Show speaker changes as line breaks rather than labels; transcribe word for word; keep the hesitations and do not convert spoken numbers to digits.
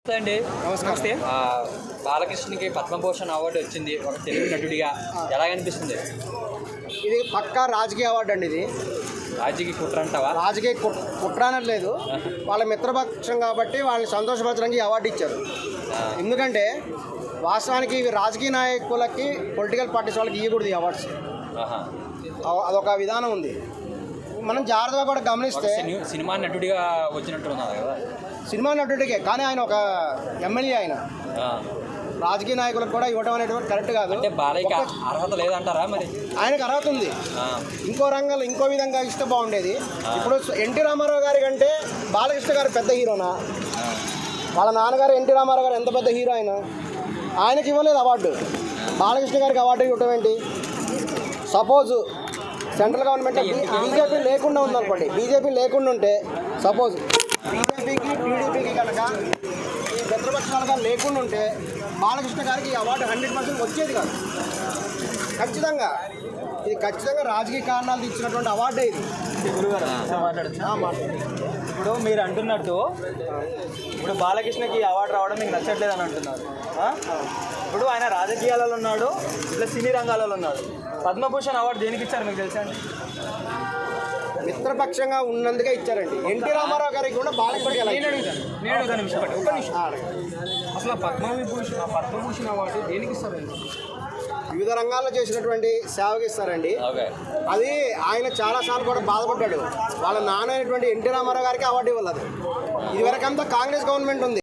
అండి నమస్తే. బాలకృష్ణకి పద్మభూషణ్ అవార్డు వచ్చింది ఒక తెలుగు నటుడిగా. ఎలా అనిపిస్తుంది?
ఇది పక్కా రాజకీయ అవార్డు అండి. ఇది
రాజకీయ కుట్ర అంటావా?
రాజకీయ కుట్ర అనట్లేదు, వాళ్ళ మిత్రపక్షం కాబట్టి వాళ్ళని సంతోషపరచడానికి ఈ అవార్డు ఇచ్చారు. ఎందుకంటే వాస్తవానికి ఇవి రాజకీయ నాయకులకి, పొలిటికల్ పార్టీస్ వాళ్ళకి ఇవ్వకూడదు ఈ అవార్డ్స్. అదొక విధానం ఉంది. మనం జాగ్రత్తగా కూడా గమనిస్తే
సినిమా నటుడిగా వచ్చినట్టున్నారు కదా.
సినిమా నటుడికే, కానీ ఆయన ఒక ఎమ్మెల్యే. ఆయన రాజకీయ నాయకులకు కూడా ఇవ్వడం అనేటువంటి కరెక్ట్ కాదు.
అంటే బాలయ్యకి అర్హత లేదంటారా? మరి
ఆయనకు అర్హత ఉంది. ఇంకో రంగంలో ఇంకో విధంగా ఇస్తే బాగుండేది. ఇప్పుడు ఎన్టీ రామారావు గారి కంటే బాలకృష్ణ గారు పెద్ద హీరోనా? వాళ్ళ నాన్నగారు ఎన్టీ రామారావు గారు ఎంత పెద్ద హీరో ఆయన, ఆయనకి ఇవ్వలేదు అవార్డు. బాలకృష్ణ గారికి అవార్డు ఇవ్వటం ఏంటి? సపోజ్ సెంట్రల్ గవర్నమెంట్ బీజేపీ లేకుండా ఉందనుకోండి, బీజేపీ లేకుండా ఉంటే సపోజ్ బీజేపీకి టీడీపీకి కనుక ఈ మిత్రపక్షాలుగా లేకుండా ఉంటే బాలకృష్ణ గారికి ఈ అవార్డు హండ్రెడ్ పర్సెంట్ వచ్చేది కాదు. ఖచ్చితంగా ఇది ఖచ్చితంగా రాజకీయ కారణాలు ఇచ్చినటువంటి అవార్డే ఇది.
గురుగారు మాట్లాడచ్చు. ఇప్పుడు మీరు అంటున్నట్టు ఇప్పుడు బాలకృష్ణకి అవార్డు రావడం మీకు నచ్చట్లేదు అని అంటున్నారు. ఇప్పుడు ఆయన రాజకీయాలలో ఉన్నాడు, ఇట్లా సినీ రంగాలలో ఉన్నాడు. పద్మభూషణ్ అవార్డు దేనికి ఇచ్చారు మీకు తెలుసా అండి?
మిత్రపక్షంగా ఉన్నందుకే ఇచ్చారండి. ఎన్టీ రామారావు గారికి కూడా బాలకృష్ణ
అసలు పద్మవిభూషణ్ పద్మభూషణ్ అవార్డు దేనికి ఇస్తారండి?
వివిధ రంగాల్లో చేసినటువంటి సేవకి ఇస్తారండి. అది ఆయన చాలాసార్లు కూడా బాధపడ్డాడు. వాళ్ళ నాన్న అయినటువంటి ఎన్టీ రామారావు గారికి అవార్డు ఇవ్వలేదు. ఇది వరకంతా కాంగ్రెస్ గవర్నమెంట్ ఉంది.